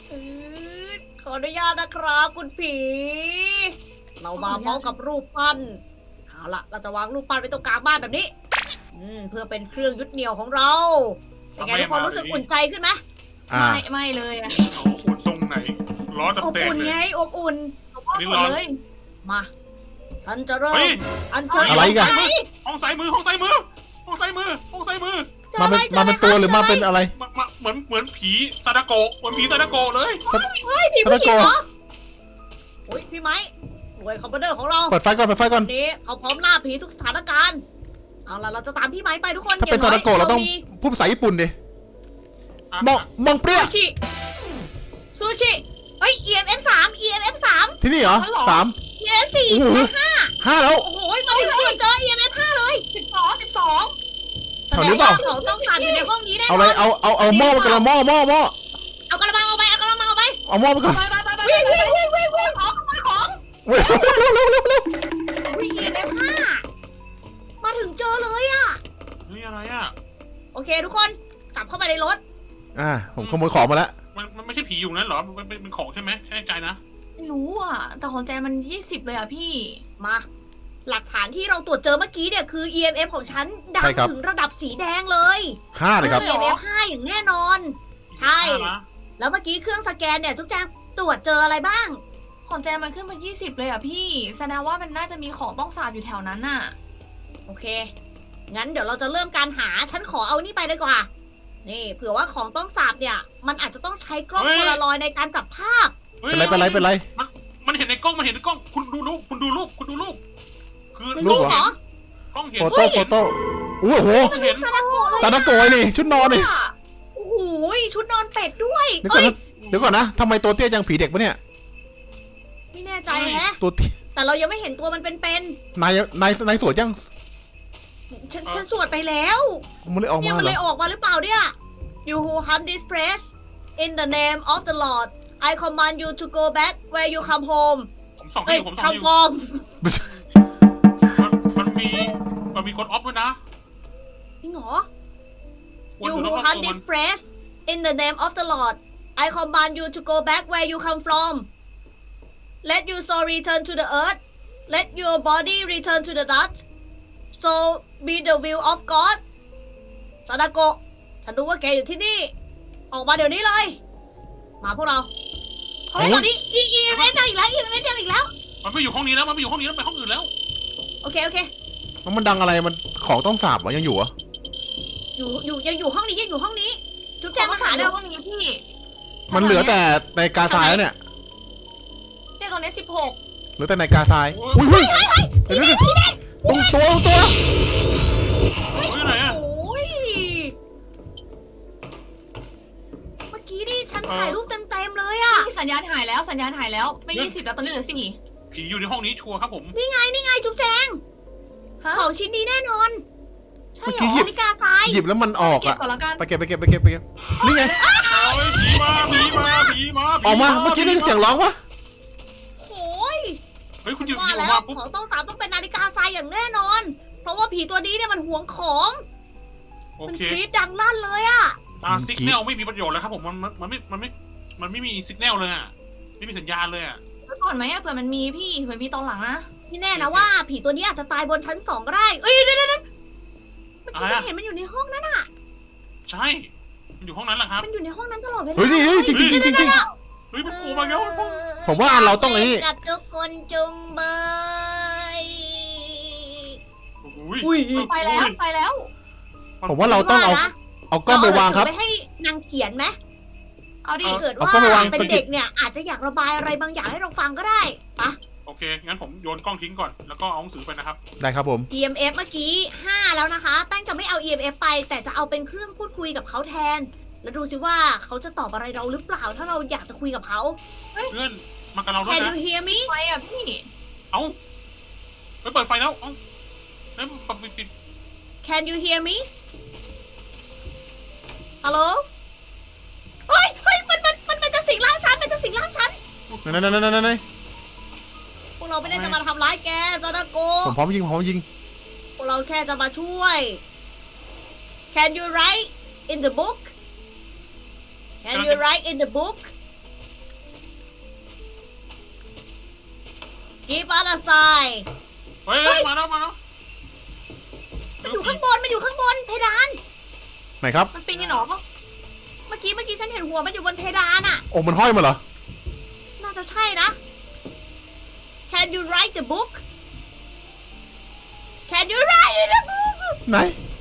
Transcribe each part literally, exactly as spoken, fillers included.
อือขออนุญาตนะครับคุณผี เรามาพร้อมกับรูปปั้นเอาล่ะเราจะวางรูปปั้นไว้ตรงกลางบ้านแบบนี้ อืมเพื่อเป็นเครื่องยึดเหนี่ยวของเราเป็นไงทุกคนรู้สึกอุ่นใจขึ้นไหมอ่าไม่ไม่เลยอะเอาอุ่นทรงไหนล้ออบเต็มอุ่นๆเลไงยอบอุ่นพ่อนี่สดร้อนเลยมาฉันจะเริ่เฮ้มยอันเชิญอะไรกันไหห้องซ้ายมือห้องซ้ายมือห้องซ้ายมือห้องซ้ายมือจอมาอะไรเป็นจอมาอะไรเป็นตัวหรือมาเป็นอะไรมามาเหมือนเหมือนผีซาดาโกะเหมือนผีซาดาโกะเลยเฮ้ยผีซาผู้ดาหญิงโกะเหรอโอ้ยพี่ไม้หน่วยคอมมานเดอร์ของเราเปิดไฟก่อนเปิดไฟก่อนวันนี้เขาพร้อมล่าผีทุกสถานการณ์เอาล่ะเราจะตามพี่ไม้ไปทุกคนถ้าเป็นซาดาโกะเราต้องพูดภาษาญี่ปุ่นดิอ่ะมองมองเปรี้ยซูชิซูชิเฮ้ย อี เอ็ม เอฟ สาม อี เอ็ม เอฟ สามที่นี่เหรอสามอี เอ็ม เอฟ สี่โอ้โหและห้าห้าแล้วโอ้โหมาถึงตัวเจอ อี เอ็ม เอฟ ห้าเลยสิบสองสิบสองแสแถวดนี้งเปล่าว่าเขาต้องการอยู่ในห้องนี้แน่นเอาอนอะไรเอาเอาเอาหม้อไปกันละหม้อหม้อหม้อเอากระมังเอาไปเอากระมังเอาไปเอาหม้อไปก่อนไปไปไปไปวิ่งไปวิ่งวิ่งวิ่งวิ่งของขโมยของเร็วเร็วเร็วเร็วเร็วอุ้ย อี เอ็ม เอฟ ห้ามาถึงเจอเลยอะนี่อะไรอ่ะโอเคทุกคนกลับเข้าไปในรถอ่าผมขโมยของมาแล้วมันมันไม่ใช่ผีอยู่นั้นเหรอมันเป็นเป็นของใช่ไหมแน่ใจนะไม่รู้อ่ะ แต่ของแจมันยี่สิบเลยอ่ะพี่มา หลักฐานที่เราตรวจเจอเมื่อกี้เนี่ยคือ อี เอ็ม เอฟ ของฉันดังถึงระดับสีแดงเลยห้าเลยครับอี เอ็ม เอฟ ห้าอย่างแน่นอน ใช่นะแล้วเมื่อกี้เครื่องสแกนเนี่ยทุกแจงตรวจเจออะไรบ้างของแจมันขึ้นมายี่สิบเลยอ่ะพี่ แสดงว่ามันน่าจะมีของต้องสาบอยู่แถวนั้นน่ะโอเค งั้นเดี๋ยวเราจะเริ่มการหา ฉันขอเอานี่ไปดีกว่า นี่เผื่อว่าของต้องสาบเนี่ย มันอาจจะต้องใช้กล้องโพลารอยด์ในการจับภาพฮ้ยเป็นไรเป็นไรเป็นไรมันมันเห็นในกล้องมันเห็นในกล้องคุณดูรูปคุณดูรูปคุณดูรูปคือในรูรูปปเหรอเหรอกล้องเห็นโฟโต้โฟโต้โอ้โหกล้องเห็นซาดาโกะเลยซาดาโกะนี่ชุดนอนนี่โอ้โหชุดนอนเป็ดด้วยเดี๋ยวก่อนเอ้ยนะเดี๋ยวก่อนนะทำไมตัวเตี้ยจังผีเด็กปะเนี่ยไม่แน่ใจแฮะตัวเตี้ยแต่เรายังไม่เห็นตัวมันเป็นนายนายนายสวยจังๆฉันฉันสวดไปแล้วมันเลยออกเนี่ยมามันเหรเลอยออกมาหรือเปล่าเนี่ย You who hunt this place in the name of the Lord I command you to go back where you come home ผมส่องให้เอ้ยอยู่ผมส่องให้ come อยู่ from ไม่ใช่มันมันมีมันมีกดออฟด้วยนะจริงเหรอวน You อยู่ who รอบๆ hunt ตัวมัน this place in the name of the Lord I command you to go back where you come from Let your soul return to the earth Let your body return to the dust So be the will of God ซาดาโกะฉันรู้ว่าแกอยู่ที่นี่ ออกมาเดี๋ยวนี้เลย มาพวกเรา เฮ้ยตอนนี้อีอีเอ็มได้อีกแล้วอีเอ็มได้อีกแล้วมันไม่อยู่ห้องนี้แล้วมันไม่อยู่ห้องนี้แล้วไปห้องอื่นแล้วโอเคโอเคแล้วมันดังอะไรมันของต้องสาบเหรอยังอยู่เหรออยู่อยู่ยังอยู่ห้องนี้ยังอยู่ห้องนี้ จุ๊บแจงมาหาเร็เร็ววห้องนี้พี่มันเหลือแต่ในกาซายแล้วเนี่ยเนี่ยตรงนี้สิบหกเหลือแต่ในกาซายอุ้ยอุ้ยเดี๋ยวเดี๋ยวเดี๋ยวตรงตัวตรงตัวเฮ้ยไหนอะโอ้ย เมื่อกี้นี่ฉันถ่ายรูปเต็มๆเลยอะพี่สัญญาณหายแล้วสัญญาณหายแล้วไม่ยี่สิบแล้วตอนนี้เหลือสี่ผีอยู่ในห้องนี้ชัวร์ครับผมนี่ไงนี่ไงจุ๊บแจงฮะของชิ้นนี้แน่นอนใช่เมื่อเหรกี้อหยิบนาฬิกาทรายหยิบแล้วมันออกเก็บอะก่อนละกันไปเก็บไปเก็บไปเก็บไปเก็บนี่ไงเฮ้ยผีมาผีมาผีมาผีออกมาเมื่อกี้ได้ยินเสียงร้องปะโอ้ยเฮ้ยคุณหยิบหว่ายิบออแล้กวมาปุ๊บของต้องสามต้องเป็นนาฬิกาทรายอย่างแน่นอน เพราะว่าผีตัวนี้เนี่ยมันหวงของโอมันเคกรีดดังลั่นเลยอะอ่าสิกแนลไม่มีประโยชน์แล้วครับผมมันมันมันไม่มันไม่มันไม่มีสิกแนลเลยอ่ะไม่มีสัญญาณเลยอ่ะไว้ก่อนไหมอะเผื่อมันมีพี่เผื่อมีตอนหลังนะนี่แน่นะว่า ผีตัวนี้อาจจะตายบนชั้นสองก็ได้ เอ้ยเดี๋ยวเดี๋ยวเดี๋ยวเมื่อกี้ฉันเห็นมันอยู่ในห้องนั้นอะใช่มันอยู่ห้องนั้นแหละครับมันอยู่ในห้องนั้นตลอดเวลาเฮ้ยนี่เฮ้ยจริงจริงจริงจริงจริงเฮ้ยมันโผล่มาแล้วผมว่าเราต้องไอ้นี่กับทุกคนจุงเบยอุ้ยอุ้ยไปแล้วไปแล้วผมว่าเราต้องเอาเอากล้องไปวางครับเอหนัสือไปให้นางเขียนไหมเอาดิถ้าเกิดเอาว่ากล้องไปวางเป็นเด็กเนี่ยอาจจะอยากระบายอะไรบางอย่างให้เราฟังก็ได้ปะโอเคงั้นผมโยนกล้องทิ้งก่อนแล้วก็เอาหนังสือไปนะครับได้ครับผมอี เอ็ม เอฟ เมื่อกี้ห้าแล้วนะคะ แป้งจะไม่เอา อี เอ็ม เอฟ ไป แต่จะเอาเป็นเครื่องพูดคุยกับเขาแทน แล้วดูซิว่าเขาจะตอบอะไรเราหรือเปล่า ถ้าเราอยากจะคุยกับเขาเพื่อนมากับเราด้วย Can นะ you hear me ไฟอะพี่เอ้าไปเปิดไฟแล้วเอ้าแล้วปิดปิด Can you hear me ฮัลโหลเฮ้ยเฮ้ยมันมันมันมันจะสิงร่างฉันมันจะสิงร่างฉันนั่นนั่นนั่นนั่นนั่นพวกเราไม่ได้จะมาทำร้ายแกซาดาโกผมพร้อมยิงผมพร้อมยิงพวกเราแค่จะมาช่วย Can you write in the book Can you write in the book Give us a sign เฮ้ยเฮ้ยมาแล้วมาแล้วมันอยู่ข้างบนมันอยู่ข้างบนเพดานไหนครับมันปีนนี่หรอเมื่อกี้เมื่อกี้ฉันเห็นหัวมันอยู่บนเพดานอะโอ้มันห้อยมาเหรอน่าจะใช่นะ Can you write the book Can you write the book ไหน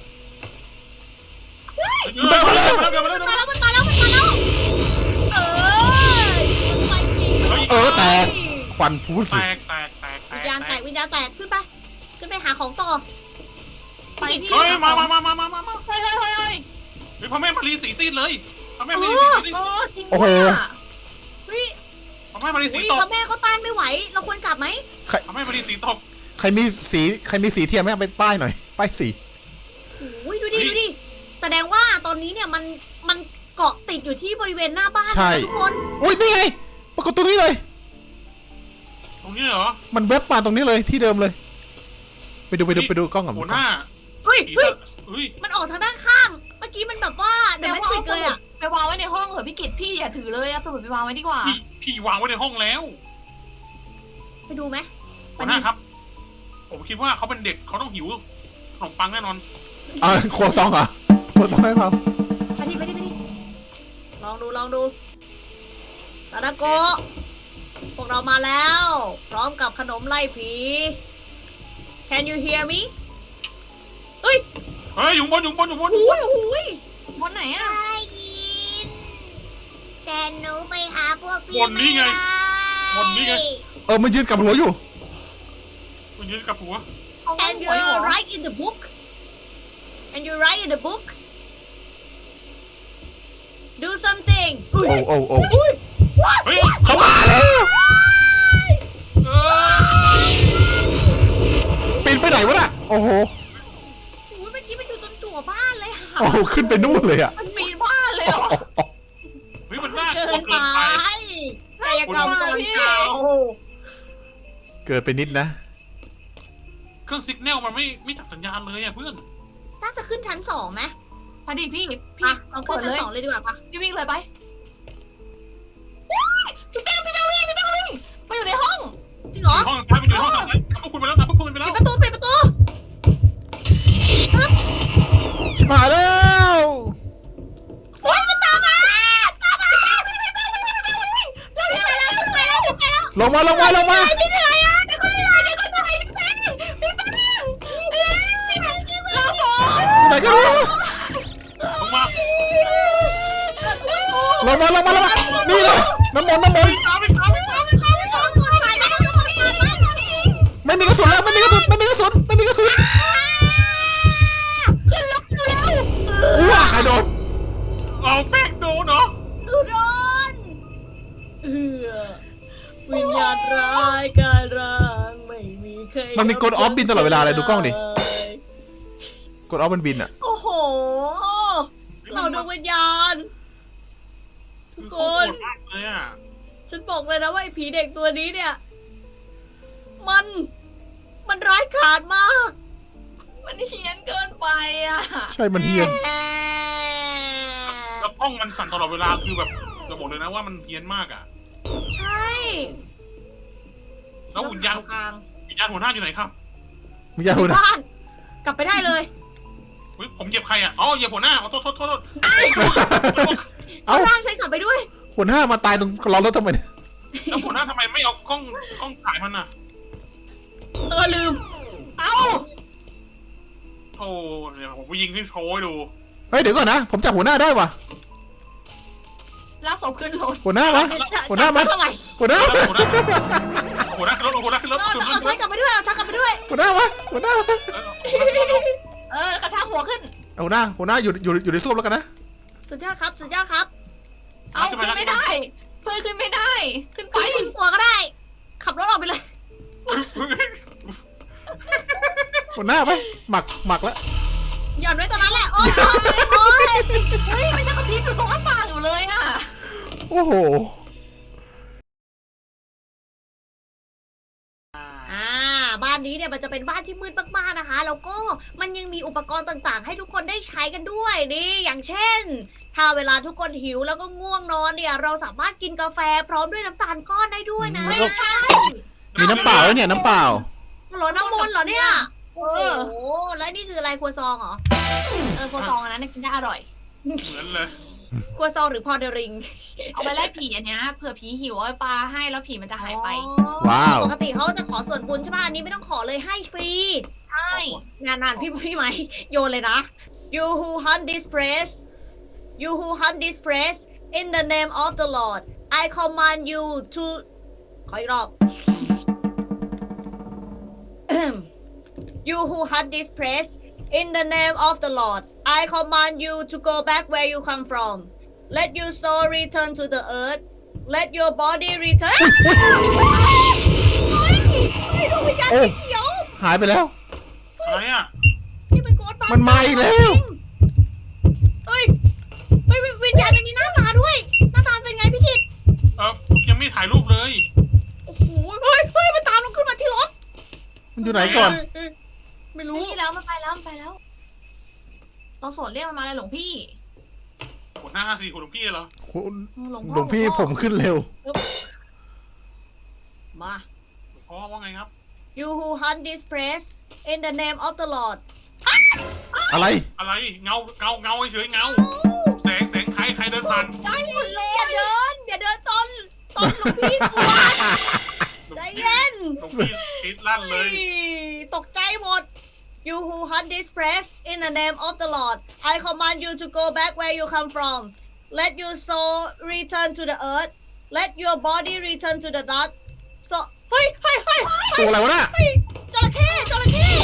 เดินมาแล้วเดินมาแล้วมันมาแล้วมันมาแล้วมันมาแล้วเออมันไปจริงเออแตก ควันพูดแตสิกแตกแตกแตวิญกญาณแตกวิญญาณแตกขึ้นไป ขึ้นไปหาของต่อไปพี่เฮ้ยมามามามามามามาเฮ้ยเฮ้ยเฮ้ยเฮ้ยเฮ้ยพ่อแม่มารีสีซีดเลยพ่อแม่มารีโอ้สีซีดโอ้จริงโอ้โหว่ะเฮ้ยพ่อแม่มารีสีอุ๊ยตกพ่อแม่เขาต้านไม่ไหว เราควรกลับไหมพ่อแม่มารีสีตกใครมีสีใครมีสีเทียมไหมเอาไปป้ายหน่อย ป้ายสีโอ้ยดูดิดูดิ แสดงว่าตอนนี้เนี่ยมันมันเกาะติดอยู่ที่บริเวณหน้าบ้านใช่นะทุกคนอุ้ยนี่ไง ปรากฏตรงนี้เลยตรงนี้เหรอมันแวบมาตรงนี้เลยที่เดิมเลย ไปดูไปดูนี่ไปดูกล้องกับหัวหน้าเฮ้ยผีเฮ้ยสะเฮ้ยมันออกทางด้านข้าง เมื่อกี้มันแบบว่าเดี๋ยวแต่มันว่าติดเลยอะไปวางไว้ในห้องเหอะพี่กิตพี่อย่าถือเลยเอาสมุดไปวางไว้ดีกว่าพี่พี่วางไว้ในห้องแล้วไปดูไหมหัวหน้าครับ ผมคิดว่าเขาเป็นเด็กเขาต้องหิวขนมปังแน่นอนอ่าครัวซองเหรอครัวซองให้เปล่าไปดิไปดิไปดิลองดูลองดูซาดาโกะพวกเรามาแล้ว พร้อมกับขนมไล่ผี Can you hear me เฮ้ยเฮ้ยอยู่บนอยู่บนอยู่บนหูยหูยบนไหนอะได้ยินแต่หนูไปหาพวกพี่บนนี้ไงบนนี้ไงเออมันยืนกับหัวอยู่มันยืนกับหัวเอาไว้ And หัวอยู่ you เหรอ write in the book and you write in the book do something โอ้โอ้โอ้อุ้ยว้ายเฮ้ยเขามาแล้วเออปีนไปไหนวะน่ะ โอ้โหอุ้ยเมื่อกี้มันอยู่ตรงจั่วบ้านเลยค่ะโอ้โหขึ้นไปนู่นเลยอ่ะมันปีนบ้านเลยเหรอเฮ้ยมันน่ากเกิลัวนไปเกินไปกายกรรมก่อนเก่าเกิดไปนิดนะเครื่องสิกแนลมันไม่ไม่จับสัญญาณเลยอ่ะเพื่อนน่าจะขึ้นชั้นสองไหมพอดีพี่พี่อ่ะเอาขึ้นชั้นเลยสองเลยดีกว่าปะพี่วิ่งเลยไปพี่แป้งพี่แป้งวิ่งพี่แป้งวิ่งไปอยู่ในห้องจริงเหรอห้องซ้ายไปอยู่ห้องซ้ายพวกคุณไปแล้วนะพวกคุณไปแล้วปิดประตูปิดประตูชิบหายแล้วโอ๊ยมันตามมาตามมาเร็วๆเร็วๆไปแล้วไปแล้วลงมาลงมาลงมาพี่เหนื่อยอ่ะเดี๋ยวก็เหนื่อยเดี๋ยวก็เหนื่อยพี่แป้งพี่แป้งเอ้ยเราโกไหนกันวะลงมาลงมาลงมาลงมานี่เลยน้ำมนต์น้ำมนต์ตามไปตามไปตามไปตามไปตามไปไม่มีกระสุนแล้วไม่มีกระสุนไม่มีกระสุนไม่มีกระสุนว้าใครโดนเอาแป้งโดนเหรอดูโดนเออวิญญาณร้ายกายร้างไม่มีใครมันมีกดออฟบินตลอดเวลาเลยดูกล้องดิกดออฟมันบินอ่ะโอ้โห เราดวงวิญญาณ ทุคืกอคเขาโหนดมากเลยอ่ะฉันบอกเลยนะว่าไอ้ผีเด็กตัวนี้เนี่ย มัน มันร้ายกาจมากมันเฮี้ยนเกินไปอ่ะใช่มันเฮียนแล้วกล้องมันสั่นตลอดเวลาคือแบบจะบอกเลยนะว่ามันเพี้ยนมากอ่ะใช่แล้ววิญญาณทางวิญญาณหัวหน้าอยู่ไหนครับมึงอย่าอหูยู่นะบ้าน กลับไปได้เลยเฮ้ยผมเหยียบใครอ่ะ อ๋อเหยียบหัวหน้าอ๋อโทษโทษโทษเอ้าร่างฉันกลับไปด้วยหัวหน้ามาตายตรงล้อรถทำไมเนี่ยแล้วหัวหน้าทำไมไม่เอากล้องกล้องถ่ายมันอ่ะเออลืมเอ้าโอ้เดี๋ยวผมไปยิงที่โชว์ให้ดูเฮ้ยเดี๋ยวก่อนนะผมจับหัวหน้าได้ว่ะลากศพขึ้นรถหัวหน้ามาหัวหน้ามาทำไมหัวหน้าหัวหน้าหัวหน้าขึ้นรถหัวหน้าขึ้นรถเอาขึ้นรเอาถฉันกลับไปด้วย เอาฉันกลับไปด้วยหัวหน้ามาหัวหน้ามาเออกระชากหัวขึ้นเอาหัวหน้าหัวหน้าอยู่อยู่อยู่ในส้วมแล้วกันนะสุดยอดครับ สุดยอดครับเอาขึ้นไม่ได้ เพื่อนขึ้นไม่ได้ ขึ้นไปไปถึงตัวก็ได้ ขับรถออกไปเลยหัวหน้าไปหมักหมักแล้วหย่อนไว้ตรงนั้นแหละ โอ๊ยโอ๊ยเฮ้ยมันยังกระพริบอยู่ตรงหน้าต่างอยู่เลยอ่ะโอ้โหอ่า บ้านนี้เนี่ยมันจะเป็นบ้านที่มืดมากๆนะคะ แล้วก็มันยังมีอุปกรณ์ต่างๆ ให้ทุกคนได้ใช้กันด้วย นี่ อย่างเช่น ถ้าเวลาทุกคนหิวแล้วก็ง่วงนอนเนี่ย เราสามารถกินกาแฟพร้อมด้วยน้ำตาลก้อนได้ด้วยนะแล้วก็ใช่มีน้ำเปล่าด้วยเนี่ยน้ำเปล่าหรอน้ำมนต์เหรอเนี่ยเอโอ้อโหแล้วนี่คืออะไรครัวซองเหรอเออโคซองอันนั้นกินได้อร่อยเหมือนเลยครัวซองหรือพอเดริงเอาไปไล่ผีอันเนี้ยเผื่อผีหิวเอาไปปลาให้แล้วผีมันจะหายไปว้าวปกติเขาจะขอส่วนบุญใช่ป่ะอันนี้ไม่ต้องขอเลยให้ฟรีใช่งานนานพี่พี่ไหมโยนเลยนะ you who hunt this place you who hunt this place in the name of the Lord I command you to ขออีกรอบ you who hunt this place in the name of the Lord I command you to go back where you come from let your soul return to the earth let your body return เฮ้ยดวงวิญญาณโอ้สีเขียวหายไปแล้วอะไรอ่ะนี่เป็นโกดบัสมันมาอีกแล้วเฮ้ย เฮ้ยวิญญาณมันมีหน้าตาด้วย หน้าตาเป็นไงพี่กิตเออยังไม่ถ่ายรูปเลยโอ้โห เฮ้ย เฮ้ย มันตามเราขึ้นมาที่รถมันอยู่ไหนก่อนเฮ้ยไม่รู้รู้นี่แล้วมันไปแล้วมันไปแล้วเราสดเรียกมันมาเลยหลวงพี่กดหน้าห้าสี่กดหลวงพี่เหรอคุณหลวงพ่อหลวงพี่ผมขึ้นเร็วมาหลวงพ่อว่าไงครับ you who hunt this place in the name of the Lord อะไรอะไรเงาเงาเงาเฉยๆเงา แสงแสงใครใครเดินผ่านได้หมดเลยอย่าเดิน อย่าเดินตอนตอนหลวงพี่สวดใจเย็นหลวงพี่ติดลั่นเลยตกใจหมด You who hunt this place in the name of the Lord I command you to go back where you come from Let your soul return to the earth Let your body return to the dust so เฮ้ยเฮ้ยเฮ้ยตัวอะไรวะน่ะเฮ้ยจระเข้จระเข้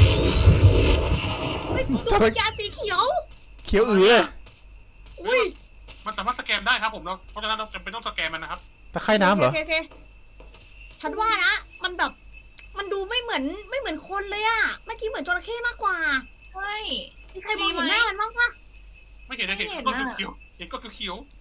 เฮ้ยจดวระงวิญญาณสีเขียวเขียวอือเลยอุ้ยมันสามารถสแกนได้ครับผมเราเพราะฉะนั้นเราจำเป็นต้องสแกนมันนะครับตะไคร่น้ำเหรอโอเคโอเคฉันว่านะ มันแบบ มันดูไม่เหมือนไม่เหมือนคนเลยอะเมื่อกี้เหมือนจระเข้มากกว่าใช่มีใครมองเห็นหน้ามันบ้างปะไม่เห็นนะเห็นไม่เห็นก็น่ะเขียวๆเห็นก็เขียวๆ